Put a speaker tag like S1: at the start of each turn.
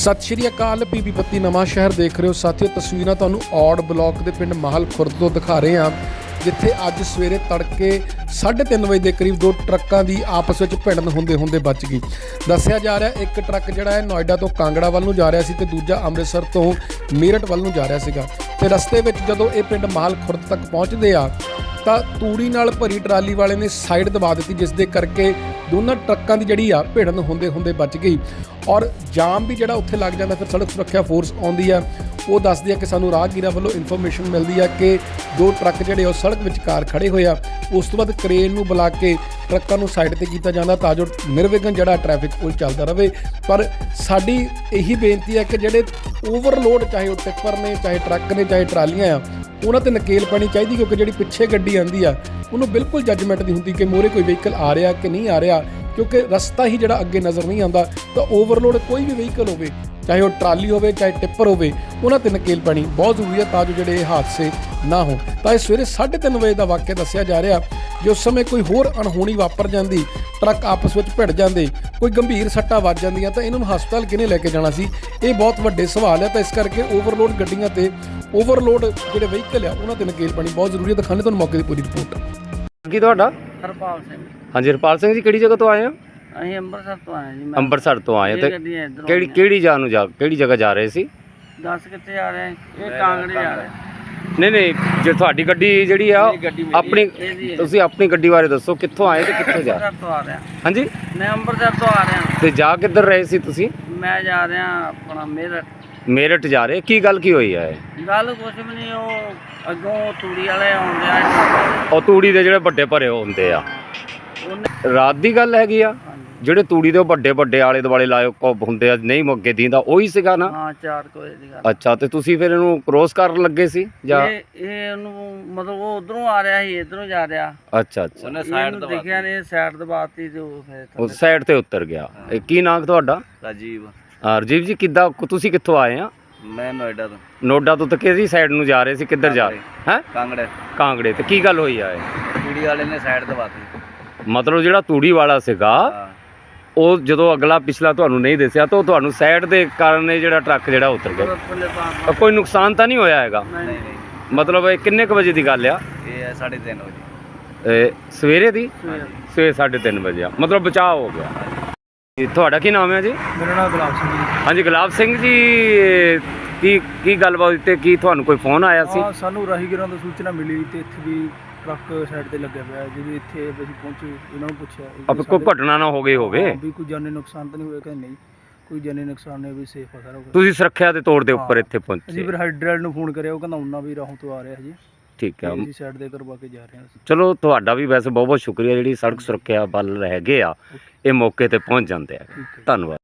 S1: ਸਤਿ ਸ਼੍ਰੀ ਅਕਾਲ। ਪੀਪੀ ਬੱਤੀ ਨਵਾਂ ਸ਼ਹਿਰ ਦੇਖ ਰਹੇ ਹੋ ਸਾਥੀਓ। ਤਸਵੀਰਾਂ ਤੁਹਾਨੂੰ ਔੜ ਬਲਾਕ ਦੇ ਪਿੰਡ ਮਾਹਲ ਖੁਰਦ ਤੋਂ ਦਿਖਾ ਰਹੇ ਹਾਂ, ਜਿੱਥੇ ਅੱਜ ਸਵੇਰੇ ਤੜਕੇ 3:30 ਵਜੇ ਦੇ ਕਰੀਬ ਦੋ ਟਰੱਕਾਂ ਦੀ ਆਪਸ ਵਿੱਚ ਭਿੜਨ ਹੁੰਦੇ ਬਚ ਗਈ। ਦੱਸਿਆ ਜਾ ਰਿਹਾ ਇੱਕ ਟਰੱਕ ਜਿਹੜਾ ਹੈ ਨੋਇਡਾ ਤੋਂ ਕਾਂਗੜਾ ਵੱਲ ਨੂੰ ਜਾ ਰਿਹਾ ਸੀ ਤੇ ਦੂਜਾ ਅੰਮ੍ਰਿਤਸਰ ਤੋਂ ਮੇਰਠ ਵੱਲ ਨੂੰ ਜਾ ਰਿਹਾ ਸੀਗਾ। ਤੇ ਰਸਤੇ ਵਿੱਚ ਜਦੋਂ ਇਹ ਪਿੰਡ ਮਾਹਲ ਖੁਰਦ ਤੱਕ ਪਹੁੰਚਦੇ ਆ ਤਾਂ ਤੂੜੀ ਨਾਲ ਭਰੀ ਟਰਾਲੀ ਵਾਲੇ ਨੇ ਸਾਈਡ ਦਬਾ ਦਿੱਤੀ, ਜਿਸ ਦੇ ਕਰਕੇ ਦੋਨਾਂ ਟਰੱਕਾਂ ਦੀ ਜਿਹੜੀ ਆ ਭਿੜਨ ਹੁੰਦੇ ਬਚ ਗਈ ਔਰ ਜਾਮ ਵੀ ਜਿਹੜਾ ਉੱਥੇ ਲੱਗ ਜਾਂਦਾ। ਫਿਰ ਸੜਕ ਸੁਰੱਖਿਆ ਫੋਰਸ ਆਉਂਦੀ ਆ, ਉਹ ਦੱਸਦੀ ਆ ਕਿ ਸਾਨੂੰ ਰਾਹਗੀਰਾਂ ਵੱਲੋਂ ਇਨਫੋਰਮੇਸ਼ਨ ਮਿਲਦੀ ਆ ਕਿ ਦੋ ਟਰੱਕ ਜਿਹੜੇ ਉਹ ਸੜਕ ਵਿਚਕਾਰ ਖੜੇ ਹੋਏ ਆ। ਉਸ ਤੋਂ ਬਾਅਦ ਕ੍ਰੇਨ ਨੂੰ ਬੁਲਾ ਕੇ ਟਰੱਕਾਂ ਨੂੰ ਸਾਈਡ ਤੇ ਕੀਤਾ ਜਾਂਦਾ ਤਾਂ ਜੋ ਨਿਰਵਿਘਨ ਜਿਹੜਾ ਟ੍ਰੈਫਿਕ ਉਹ ਚੱਲਦਾ ਰਹੇ। ਪਰ ਸਾਡੀ ਇਹੀ ਬੇਨਤੀ ਹੈ ਕਿ ਜਿਹੜੇ ਓਵਰਲੋਡ, ਚਾਹੇ ਉਹ ਟਿੱਪਰ ਨੇ, ਚਾਹੇ ਟਰੱਕ ਨੇ, ਚਾਹੇ ਟਰਾਲੀਆਂ ਆ, ਉਹਨਾਂ ਤੇ ਨਕੇਲ ਪੈਣੀ ਚਾਹੀਦੀ, ਕਿਉਂਕਿ ਜਿਹੜੀ ਪਿੱਛੇ ਗੱਡੀ ਆਉਂਦੀ ਆ ਉਹਨੂੰ ਬਿਲਕੁਲ ਜੱਜਮੈਂਟ ਨਹੀਂ ਹੁੰਦੀ ਕਿ ਮੋਰੇ ਕੋਈ ਵਹੀਕਲ ਆ ਰਿਹਾ ਕਿ ਨਹੀਂ ਆ ਰਿਹਾ, ਕਿਉਂਕਿ ਰਸਤਾ ਹੀ ਜਿਹੜਾ ਅੱਗੇ ਨਜ਼ਰ ਨਹੀਂ ਆਉਂਦਾ। ਤਾਂ ਓਵਰਲੋਡ ਕੋਈ ਵੀ ਵਹੀਕਲ ਹੋਵੇ, ਚਾਹੇ ਉਹ ਟਰਾਲੀ ਹੋਵੇ, ਚਾਹੇ ਟਿੱਪਰ ਹੋਵੇ, ਉਹਨਾਂ ਤੇ ਨਕੇਲ ਪੈਣੀ ਬਹੁਤ ਜ਼ਰੂਰੀ ਹੈ ਤਾਂ ਜੋ ਜਿਹੜੇ ਇਹ ਹਾਦਸੇ ਨਾ ਹੋਣ। ਤਾਂ ਇਹ ਸਵੇਰੇ 3:30 ਵਜੇ ਦਾ ਵਾਕਿਆ ਦੱਸਿਆ ਜਾ ਰਿਹਾ। ਜੇ ਉਸ ਸਮੇਂ ਕੋਈ ਹੋਰ ਅਣਹੋਣੀ ਵਾਪਰ ਜਾਂਦੀ, ਟਰੱਕ ਆਪਸ ਵਿੱਚ ਭਿੜ ਜਾਂਦੇ, ਕੋਈ ਗੰਭੀਰ ਸੱਟਾਂ ਵੱਜ ਜਾਂਦੀਆਂ, ਤਾਂ ਇਹਨਾਂ ਨੂੰ ਹਸਪਤਾਲ ਕਿਹਨੇ ਲੈ ਕੇ ਜਾਣਾ ਸੀ? ਇਹ ਬਹੁਤ ਵੱਡੇ ਸਵਾਲ ਹੈ। ਤਾਂ ਇਸ ਕਰਕੇ ਓਵਰਲੋਡ ਗੱਡੀਆਂ ਤੇ ਓਵਰਲੋਡ ਜਿਹੜੇ ਵਹੀਕਲ ਆ ਉਹਨਾਂ ਤੇ ਨਕੇਲ ਪਾਣੀ ਬਹੁਤ ਜ਼ਰੂਰੀ ਹੈ। ਦਿਖਾਣੇ ਤੁਹਾਨੂੰ ਮੌਕੇ ਦੀ ਪੂਰੀ ਰਿਪੋਰਟ।
S2: ਕੀ ਤੁਹਾਡਾ?
S3: ਹਰਪਾਲ ਸਿੰਘ।
S2: ਹਾਂਜੀ, ਹਰਪਾਲ ਸਿੰਘ ਜੀ, ਕਿਹੜੀ ਜਗ੍ਹਾ ਤੋਂ ਆਏ ਹੋ?
S3: ਅਸੀਂ ਅੰਮ੍ਰਿਤਸਰ ਤੋਂ ਆਏ ਜੀ।
S2: ਅੰਮ੍ਰਿਤਸਰ ਤੋਂ ਆਏ ਤੇ ਕਿਹੜੀ ਜਗ੍ਹਾ ਜਾ ਰਹੇ ਸੀ?
S3: ਦੱਸ ਕਿੱਥੇ ਜਾ ਰਹੇ? ਇਹ ਕਾਂਗੜੇ ਜਾ ਰਹੇ।
S2: ਨਹੀਂ, ਜੇ ਤੁਹਾਡੀ ਗੱਡੀ ਜਿਹੜੀ ਆ ਆਪਣੀ, ਤੁਸੀਂ ਆਪਣੀ ਗੱਡੀ ਬਾਰੇ ਦੱਸੋ, ਕਿੱਥੋਂ ਆਏ ਤੇ ਕਿੱਥੇ ਜਾ ਰਹੇ?
S3: ਅੰਮ੍ਰਿਤਸਰ ਤੋਂ ਆ ਰਿਹਾ।
S2: ਹਾਂਜੀ,
S3: ਮੈਂ ਅੰਮ੍ਰਿਤਸਰ ਤੋਂ ਆ ਰਿਹਾ।
S2: ਤੇ ਜਾ ਕਿੱਧਰ ਰਹੇ ਸੀ ਤੁਸੀਂ?
S3: ਮੈਂ ਜਾ ਰਿਹਾ ਆਪਣਾ
S2: ਮੇਰਠ ਜਾ ਰਹੇ। ਕੀ ਗੱਲ ਕੀ ਹੋਈ ਹੈ?
S3: ਗੱਲ ਕੁਛ ਵੀ ਨਹੀਂ, ਉਹ ਅੱਗੋਂ ਤੂੜੀ ਵਾਲੇ ਆਉਂਦੇ ਆ।
S2: ਉਹ ਤੂੜੀ ਦੇ ਜਿਹੜੇ ਵੱਡੇ ਭਰੇ ਹੁੰਦੇ ਆ, ਰਾਤ ਦੀ ਗੱਲ ਹੈਗੀ ਆ। ਜਿਹੜੇ ਤੂੜੀ ਦੇ ਵੱਡੇ ਆਲੇ ਦੁਆਲੇ ਲਾਏ ਹੁੰਦੇ ਆ, ਨਹੀਂ ਮੋਗੇ ਦੀਂਦਾ, ਉਹੀ ਸੀਗਾ ਨਾ?
S3: ਹਾਂ, 4 ਵਜੇ ਦੀ ਗੱਲ।
S2: ਅੱਛਾ, ਤੇ ਤੁਸੀਂ ਫਿਰ ਇਹਨੂੰ ਕ੍ਰੋਸ ਕਰਨ ਲੱਗੇ ਸੀ ਜਾਂ?
S3: ਇਹ ਉਹਨੂੰ ਮਤਲਬ ਉਹ ਉਧਰੋਂ ਆ ਰਿਹਾ ਸੀ, ਇਧਰੋਂ ਜਾ ਰਿਹਾ।
S2: ਅੱਛਾ,
S3: ਉਹਨੇ ਸਾਈਡ ਦੇਖਿਆ ਨੇ, ਸਾਈਡ ਦਬਾਤੀ ਤੇ ਉਹ ਫਿਰ
S2: ਸਾਈਡ ਤੇ ਉਤਰ ਗਿਆ। ਕੀ ਨਾਮ ਤੁਹਾਡਾ?
S3: ਰਾਜੀਵ।
S2: ਰਾਜੀਵ ਜੀ, ਕਿੱਦਾਂ ਤੁਸੀਂ ਕਿੱਥੋਂ ਆਏ ਆ?
S3: ਮੈਂ ਨੋਇਡਾ ਤੋਂ।
S2: ਨੋਇਡਾ ਤੋਂ? ਤੇ ਕਿਹਦੀ ਸਾਈਡ ਨੂੰ ਜਾ ਰਹੇ ਸੀ? ਕਿੱਧਰ ਜਾ ਰਹੇ ਹੈ? ਕਾਂਗੜੇ। ਤੇ ਕੀ ਗੱਲ ਹੋਈ ਆ?
S3: ਤੂੜੀ ਵਾਲੇ ਨੇ ਸਾਈਡ ਦਬਾਤੀ।
S2: ਮਤਲਬ ਜਿਹੜਾ ਤੂੜੀ ਵਾਲਾ ਸੀਗਾ ਉਹ ਜਦੋਂ ਅਗਲਾ ਪਿਛਲਾ ਤੁਹਾਨੂੰ ਨਹੀਂ ਦੱਸਿਆ ਤਾਂ ਉਹ ਤੁਹਾਨੂੰ ਸਾਈਡ ਦੇ ਕਾਰਨ ਇਹ ਜਿਹੜਾ ਟਰੱਕ ਜਿਹੜਾ ਉਤਰ ਗਿਆ। ਕੋਈ ਨੁਕਸਾਨ ਤਾਂ ਨਹੀਂ ਹੋਇਆ ਹੈਗਾ?
S3: ਨਹੀਂ।
S2: ਮਤਲਬ ਇਹ ਕਿੰਨੇ ਕੁ ਵਜੇ ਦੀ ਗੱਲ ਆ?
S3: ਇਹ 3:30 ਵਜੇ
S2: ਸਵੇਰੇ ਦੀ? ਸਵੇਰੇ 3:30 ਵਜੇ। ਮਤਲਬ ਬਚਾਅ ਹੋ ਗਿਆ। ਤੁਹਾਡਾ ਕੀ ਨਾਮ ਹੈ ਜੀ?
S3: ਮੇਰਾ ਨਾਮ ਗੁਲਾਬ ਸਿੰਘ ਜੀ।
S2: ਹਾਂਜੀ, ਗੁਲਾਬ ਸਿੰਘ ਜੀ, ਕੀ ਗੱਲਬਾਤ ਤੇ ਕੀ ਤੁਹਾਨੂੰ ਕੋਈ ਫੋਨ ਆਇਆ ਸੀ?
S4: ਸਾਨੂੰ ਰਾਹੀਗਰਾਂ ਤੋਂ ਸੂਚਨਾ ਮਿਲੀ ਤੇ ਇੱਥੇ ਵੀ ਟਰੱਕ ਸਾਈਡ ਤੇ ਲੱਗਿਆ ਪਿਆ। ਜਦੋਂ ਇੱਥੇ ਅਸੀਂ ਪਹੁੰਚੇ, ਇਹਨਾਂ ਨੂੰ ਪੁੱਛਿਆ
S2: ਕੋਈ ਘਟਨਾ ਨਾ ਹੋ ਗਈ ਹੋਵੇ,
S4: ਵੀ ਕੋਈ ਜਾਨੀ ਨੁਕਸਾਨ ਤਾਂ ਨਹੀਂ ਹੋਇਆ? ਕਹਿੰਦੇ ਨਹੀਂ, ਕੋਈ ਜਾਨੀ ਨੁਕਸਾਨ ਨਹੀਂ, ਵੀ ਸੇਫ ਆ ਸਾਰਾ ਕੁਝ।
S2: ਤੁਸੀਂ ਸੁਰੱਖਿਆ ਦੇ ਤੌਰ ਦੇ ਉੱਪਰ ਇੱਥੇ ਪਹੁੰਚੇ?
S4: ਅਸੀਂ ਫਿਰ ਹਾਈਡਰਲ ਨੂੰ ਫੋਨ ਕਰਿਆ, ਉਹ ਕਹਿੰਦਾ ਉਹਨਾਂ ਵੀ ਰਾਹੋਂ ਤੋਂ ਆ ਰਿਹਾ ਜੀ।
S2: ਠੀਕ ਹੈ,
S4: ਅਸੀਂ ਸਾਈਡ ਤੇ ਕਰਵਾ ਕੇ ਜਾ ਰਹੇ ਹਾਂ।
S2: ਚਲੋ, ਤੁਹਾਡਾ ਵੀ ਵੈਸੇ ਬਹੁਤ ਸ਼ੁਕਰੀਆ। ਜਿਹੜੀ ਸੜਕ ਸੁਰੱਖਿਆ ਬਲ ਹੈਗੇ ਆ, ਇਹ ਮੌਕੇ ਤੇ ਪਹੁੰਚ ਜਾਂਦੇ ਆ। ਧੰਨਵਾਦ।